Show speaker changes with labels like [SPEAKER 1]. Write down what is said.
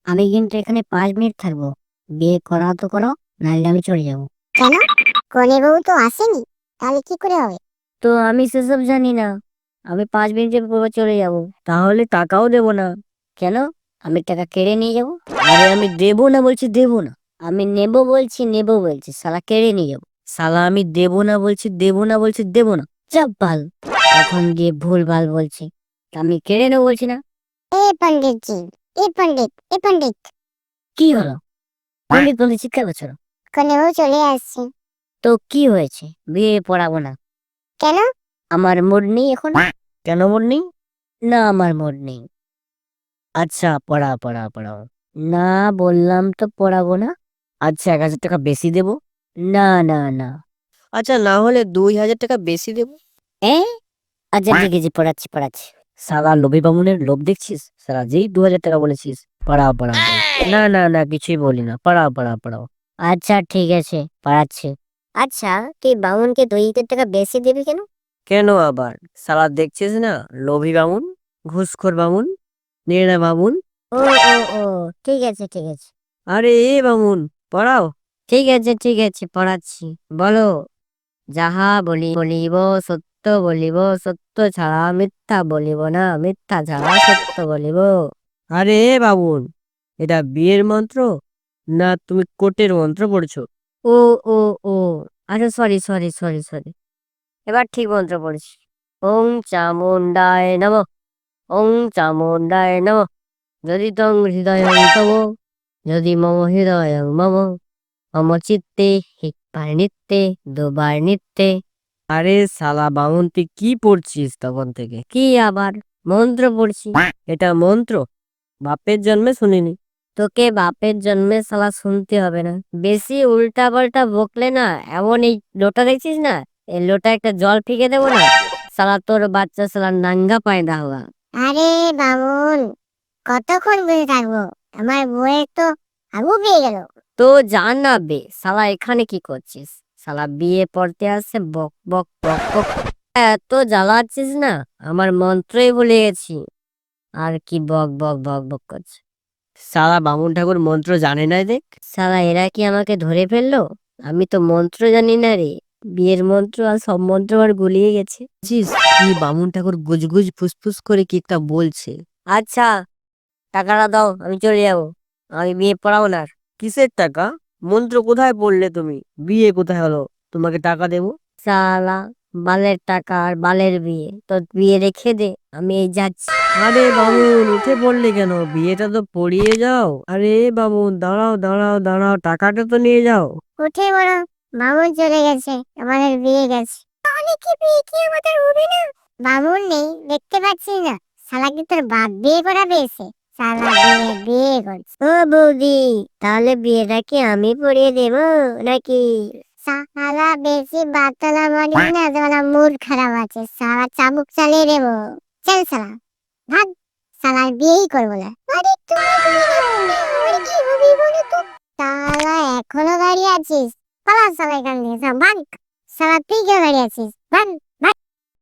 [SPEAKER 1] আমি কিন্তু এখানে 5 মিনিট থাকবো। বিয়ে করা তো করো, নাহলে আমি চলে যাবো।
[SPEAKER 2] কেন? কনে বউ তো আসেনি, তাহলে কি করে হবে?
[SPEAKER 1] তো আমি সেসব জানি না। আমি 5 মিনিটের পর চলে যাবো। তাহলে টাকাও দেবো না। কেন? আমি টাকা কেড়ে নিয়ে যাবো? আরে আমি দেবো না বলছি, দেবো না। আমি নেবো বলছি, নেবো বলছি, শালা কেড়ে নিয়ে যাবো। শালা আমি দেবো না বলছি, দেবো না বলছি, দেবো না। চাপ ভাল। এখন গিয়ে ভুল ভাল বলছি। আমি কেড়ে নেবো বলছি না।
[SPEAKER 2] এ পণ্ডিত জি, এ পণ্ডিত,
[SPEAKER 1] কি হলো? পণ্ডিত পণ্ডিত চিৎকার করছো?
[SPEAKER 2] কনে বউ চলে আসছে।
[SPEAKER 1] তো কি হয়েছে? বিয়ে পড়াবো না।
[SPEAKER 2] কেন?
[SPEAKER 1] আমার মুড নেই এখন। কেন মুড নেই? না, আমার মুড নেই। আচ্ছা, পড়াও। না, বললাম তো পড়াবো না। আচ্ছা, 1,000 টাকা বেশি দেবো। না না না। আচ্ছা, না হলে 2,000 টাকা বেশি দেবো। এ আচ্ছা, ঠিক আছে, পড়াচ্ছি। সালা লোভী বামুনের লোভ দেখছিস? সালা যেই 2,000 টাকা বলেছিস। পড়াও। না না না, কিছুই বলি না। পড়াও। আচ্ছা ঠিক আছে, পড়াচ্ছি।
[SPEAKER 2] আচ্ছা, তুই বামুনকে 2,000 টাকা বেশি দিবি কেন?
[SPEAKER 1] কেন আবার? সালা দেখছিস না, লোভী বামুন, ঘুষখোর বামুন, নেড়া বামুন।
[SPEAKER 2] ও ও ও, ঠিক আছে।
[SPEAKER 1] আরে এ বামুন, পড়াও। ঠিক আছে, পড়াচ্ছি। বলো। যাহা বলিব সত্য বলিব, সত্য ছাড়া মিথ্যা বলিব না, মিথ্যা ছাড়া সত্য বলিব। আরে এ বামুন, এটা বিয়ের মন্ত্র না তুমি কোটের মন্ত্র পড়ছো? ও ও ও আচ্ছা, সরি। এবার ঠিক মন্ত্র পড়ছি। ওং চামুণ্ডায় নমঃ। ওং চামুণ্ডায় নমঃ। যদি তং হৃদয়ং তব, যদি মম হৃদয়ং মম, মম চিত্তে একবার নিত্যে, দুবার নিত্যে। আরে শালা বামুন, তুই কি পড়ছিস তখন থেকে? কি আবার? মন্ত্র পড়ছি। এটা মন্ত্র? বাপের জন্মে শুনিনি। তোকে বাপের জন্মে শালা শুনতে হবে না। বেশি উল্টা পাল্টা বকলে না, এমন এই লোটা দেখছিস না, এই লোটা একটা জল ফিকে দেবো না, শালা তোর বাচ্চা শালা নাঙ্গা পায়দা হওয়া।
[SPEAKER 2] আরে বামুন, কতক্ষণ বসে থাকবো? আমার বউয়ের তো আবু পেয়ে গেল।
[SPEAKER 1] তো জান না বে, শালা এখানে কি করছিস? শালা বিয়ে পড়তে আসছে, বক। এত জ্বালাচ্ছিস না, আমার মন্ত্রই ভুলে গেছি। আর কি বক করছে? শালা বামুন ঠাকুর মন্ত্র জানে না দেখ। শালা এরা কি আমাকে ধরে ফেললো? আমি তো মন্ত্র জানি না রে। বিয়ের মন্ত্র আর সব মন্ত্র আর গুলিয়ে গেছে। বুঝছিস কি বামুন ঠাকুর গুজগুজ ফুসফুস করে কি একটা বলছে। আচ্ছা, টাকাটা দাও, আমি চলে যাবো। আমি বিয়ে পড়াবো না আর। কিসের টাকা? মন্ত্র কোথায় পড়লে তুমি? বিয়ে কোথায় হলো তোমাকে টাকা দেবো? শালা, বালের টাকা আর বালের বিয়ে, তো বিয়ে রেখে দে, আমি এই যাচ্ছি। আরে বামুন, উঠে পড়লে কেন? বিয়েটা তো পড়িয়ে যাও। আরে বামুন, দাঁড়াও, টাকাটা তো নিয়ে যাও।
[SPEAKER 2] উঠে বড়, বামুন চলে গেছে, আমাদের বিয়ে গেছে। তাহলে কি বিয়ে কি আমাদের হবে না? বামুন নেই, দেখতে পাচ্ছিস না? শালা কি তোর বাপ বিয়ে করাবে এসে? শালা বিয়ে করছে।
[SPEAKER 1] ও বৌদি, তাহলে বিয়েটা কি আমি পড়িয়ে দেবো নাকি?
[SPEAKER 2] শালা বেশি বাতলা মারিস না, শালা মুড খারাপ আছে। শালা চাবুক চালিয়ে দেবো। চল শালা, ভাগ। শালা বিয়েই করবো না। আরে তুমি করলে হবে, আমার কি হবে বলো তো? শালা এখনো দাঁড়িয়ে আছিস? পালা শালা এখান থেকে, শালা ভাগ। শালা তুই কেন দাঁড়িয়ে আছিস? ভাগ।